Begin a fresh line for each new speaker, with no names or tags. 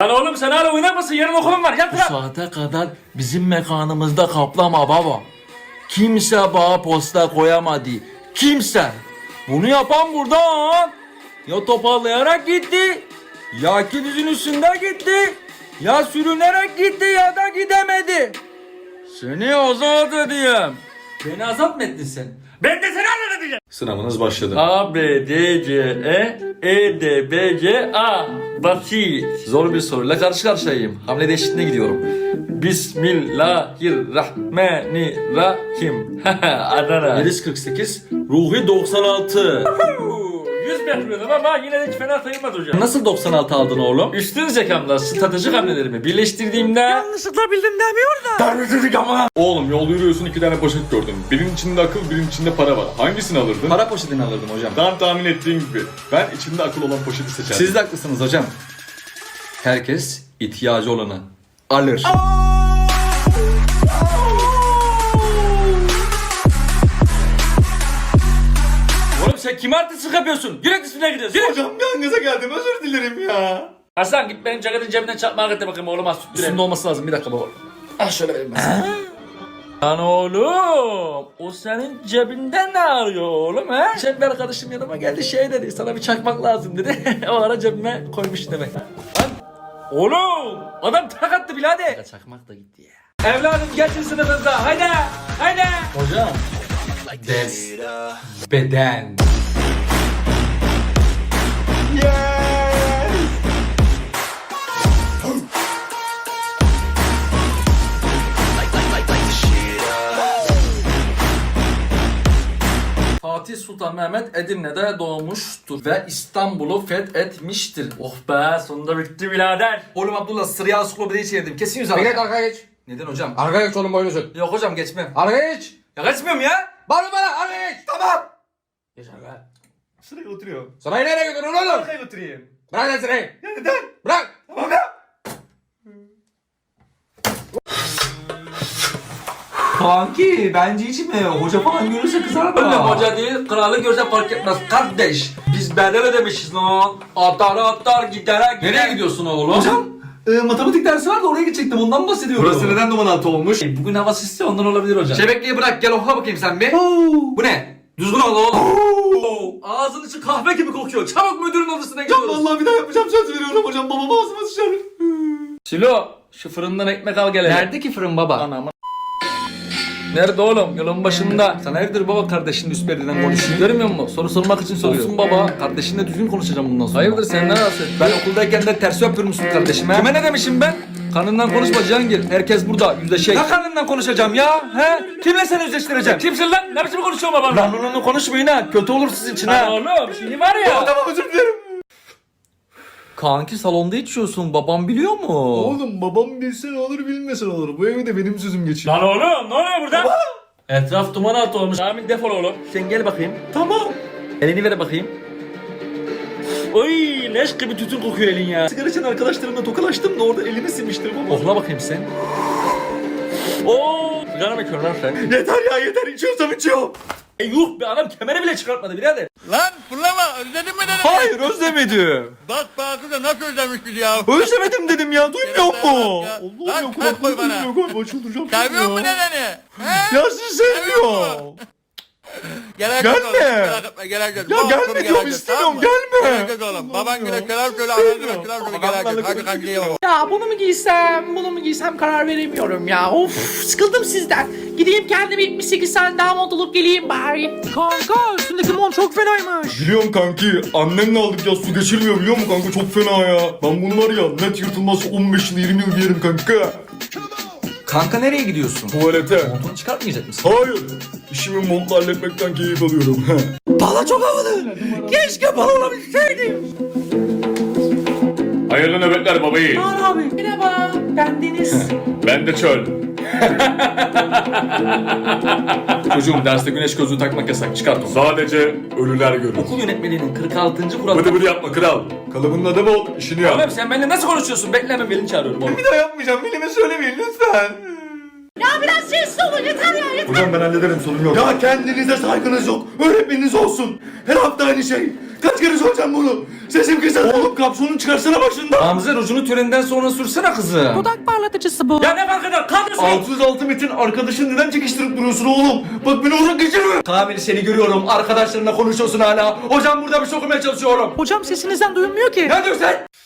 Lan oğlum sen hala oynar mısın? Yarın okulum var. Yat
Bu
lan.
saate kadar bizim mekanımızda kaplama baba. Kimse bana posta koyamadı. Kimse. Bunu yapan buradan ya toparlayarak gitti, ya dizin üstünde gitti, ya sürünerek gitti ya da gidemedi. Seni azat edeyim. Beni azat mı ettin sen?
Ben de seni anlatacağım.
Sınavınız başladı.
A, B, D, C, E, D, B, C, A. Basit. Zor bir soruyla karşı karşıyayım. Hamle değişikliğine gidiyorum. Bismillahirrahmanirrahim. Adana. Melis 48, Ruhi 96.
100 bekliyordum ama yine de hiç fena sayılmaz hocam.
Nasıl 96 aldın oğlum?
Üstün zekamla stratejik hamlelerimi birleştirdiğimde...
Yanlışlıkla bildim demiyor da.
Terbiyesizlik ama.
Oğlum yolda yürüyorsun, 2 tane poşet gördüm. Birinin içinde akıl, birinin içinde para var. Hangisini alırdın?
Para poşetini alırdım hocam.
Tam tahmin ettiğin gibi. Ben içinde akıl olan poşeti seçerdim.
Siz de haklısınız hocam. Herkes ihtiyacı olanı alır. Oğlum sen kime artistlik yapıyorsun? Yürek üstüne gidiyorsun. Yürek.
Hocam bir an gaza geldim, özür dilerim ya.
Hasan git benim ceketin cebinden çakmağa git de bakayım oğluma süt
Üstünde
direkt.
olması lazım, bir dakika baba.
Ah şöyle vereyim ben.
Lan oğlum, o senin cebinden ne arıyor oğlum he? Şef bir arkadaşım yanıma geldi şey dedi, sana bir çakmak lazım dedi. O ara cebime koymuş demek. Lan
Oğlum adam tak attı birader.
çakmak da gitti ya.
Evladım geçin sınıfınıza haydi haydi.
Hocam. Ders. Beden. Fatih Sultan Mehmet Edirne'de doğmuştur ve İstanbul'u fethetmiştir.
Oh be sonunda bitti birader.
Oğlum Abdullah sıraya ansiklopediyi çevirdim. Kesin yüz
Geç arkaya geç.
Neden hocam?
Arkaya geç oğlum boyunu sür.
Yok hocam geçmem.
Arkaya geç.
Ya kaçmıyorum ya.
Bağırma bana arkaya geç.
Tamam.
Geç arkaya.
Sıraya oturuyorum.
Sırayı nereye götürüyorsun oğlum?
Sıraya oturayım.
Bırak lan sırayı.
Ya neden?
Bırak.
Tamam ya.
Kanki bence içme. Hoca falan görürse kızar da. Öyle hoca değil, kralı görse fark etmez. Kardeş, biz bedel ödemişiz lan. Atar giderek. Nereye gidiyorsun oğlum? Hocam, matematik dersi var da oraya gidecektim. Ondan bahsediyorum.
Burası neden duman altı olmuş?
Bugün hava sisli ondan olabilir hocam. Şebekliği bırak gel oku bakayım sen bir. Bu ne? Düzgün ol oğlum. Ağzın içi kahve gibi kokuyor. Çabuk müdürün odasına gidiyoruz.
Vallahi bir daha yapacağım, söz veriyorum hocam. Babam ağzıma sıçar.
Silo şu fırından ekmek al gel hele.
Nerede ki fırın baba?
Anam. Nerede oğlum? Yolun başında.
Sana evdir baba kardeşinle üst perdeden konuşuyor. Görmüyor musun? Soru sormak için soruyor. Olsun baba. Kardeşinle düzgün konuşacağım bundan sonra.
Hayırdır sen ne rahatsız?
Ben okuldayken de tersi öpürmüşsün kardeşime. Kime ne demişim ben? Kanından konuşma Cihangir. Herkes burada yüzleşecek. Ne kanından konuşacağım ya? He? Kimle seni yüzleştireceğim?
Kimsin lan? Ne biçim konuşuyorsun babamla?
Lan onu konuşmayın ha. Kötü olur sizin için
Lan
ha.
oğlum şimdi var ya.
Tamam, özür dilerim.
Kanki salonda içiyorsun. Babam biliyor mu?
Oğlum babam bilse ne olur, bilmese ne olur. Bu evde benim sözüm geçiyor.
Lan oğlum ne oluyor burada?
Etraf duman altı olmuş.
Amin defol oğlum.
Sen gel bakayım. Tamam. Elini ver bakayım.
Oy leş gibi tütün kokuyor elin ya.
Sigara için arkadaşlarımla tokalaştım da orada elimi silmiştir baba. Okla bakayım sen.
Oo sigara mı içiyorsun lan sen?
Yeter ya, yeter. İçiyorsam içiyorum.
Yuh be adam kemeri bile çıkartmadı birader.
Lan fırlama özledin mi dedim.
Hayır özlemedim.
Bak Bakı da nasıl özlemiş bizi ya.
Özlemedim dedim ya. Duymuyor mu?
Ya.
Allah'ım
Lan
ya,
kalk koy bana.
galiba çıldıracağım.
Seviyor musun dedeni? He?
Ya sizi sevmiyor.
Geleceğiz
Gelme.
oğlum. Merak etme geleceğiz.
Ya
Bu
gelme
akşam
diyorum,
geleceğiz,
istemiyorum,
tamam mı?
gelme.
Geleceğiz oğlum. Baban güne
Olmuyor.
selam söyle. Anne güne selam söyle geleceğiz. Hadi kankiye bak.
Ya bunu mu giysem karar veremiyorum ya. Of sıkıldım sizden. Gideyim kendime 78 tane daha mont olup geleyim bari. Kanka üstündeki mont çok fenaymış.
Biliyorum kanki. Annemle aldık ya, su geçirmiyor biliyor musun kanka, çok fena ya. Ben bunu var ya net yırtılmazsa 15 yıl 20 yıl giyerim kanka.
Kanka nereye gidiyorsun?
Tuvalete.
Montunu çıkartmayacak mısın?
Hayır. İşimi montla halletmekten keyif alıyorum.
Bala çok havalı. Keşke bala olabilseydim.
Hayırlı nöbetler babayı.
abi. Merhaba ben Deniz.
Ben de çöl. Çocuğum derste güneş gözlüğü takmak yasak, çıkart onu. Sadece ölüler görür.
Okul yönetmeliğinin 46. kuralı.
Bıdı bıdı yapma kral. Kalıbının adamı ol, işini yap.
Oğlum sen benimle nasıl konuşuyorsun? Bekle ben Velin çağırıyorum oğlum.
Bir daha yapmayacağım, Velim'e söylemeyin lütfen.
biraz sessiz olun yeter ya yeter.
Hocam ben hallederim, sorun yok. Ya kendinize saygınız yok. Öğretmeniniz olsun. Her hafta aynı şey. Kaç kere soracağım bunu? Sesim kısa. Oğlum kapşonunu çıkarsana başında.
Gamze ucunu törenden sonra sürsene kızım.
Dudak parlatıcısı bu.
Ya ne fark eder? Kalkıyorsun.
606 metin arkadaşın neden çekiştirip duruyorsun oğlum? Bak beni uzak geçirme.
Kamil seni görüyorum. Arkadaşlarınla konuşuyorsun hala. Hocam burada bir şey okumaya çalışıyorum.
Hocam sesinizden duyulmuyor ki.
Ne diyorsun sen?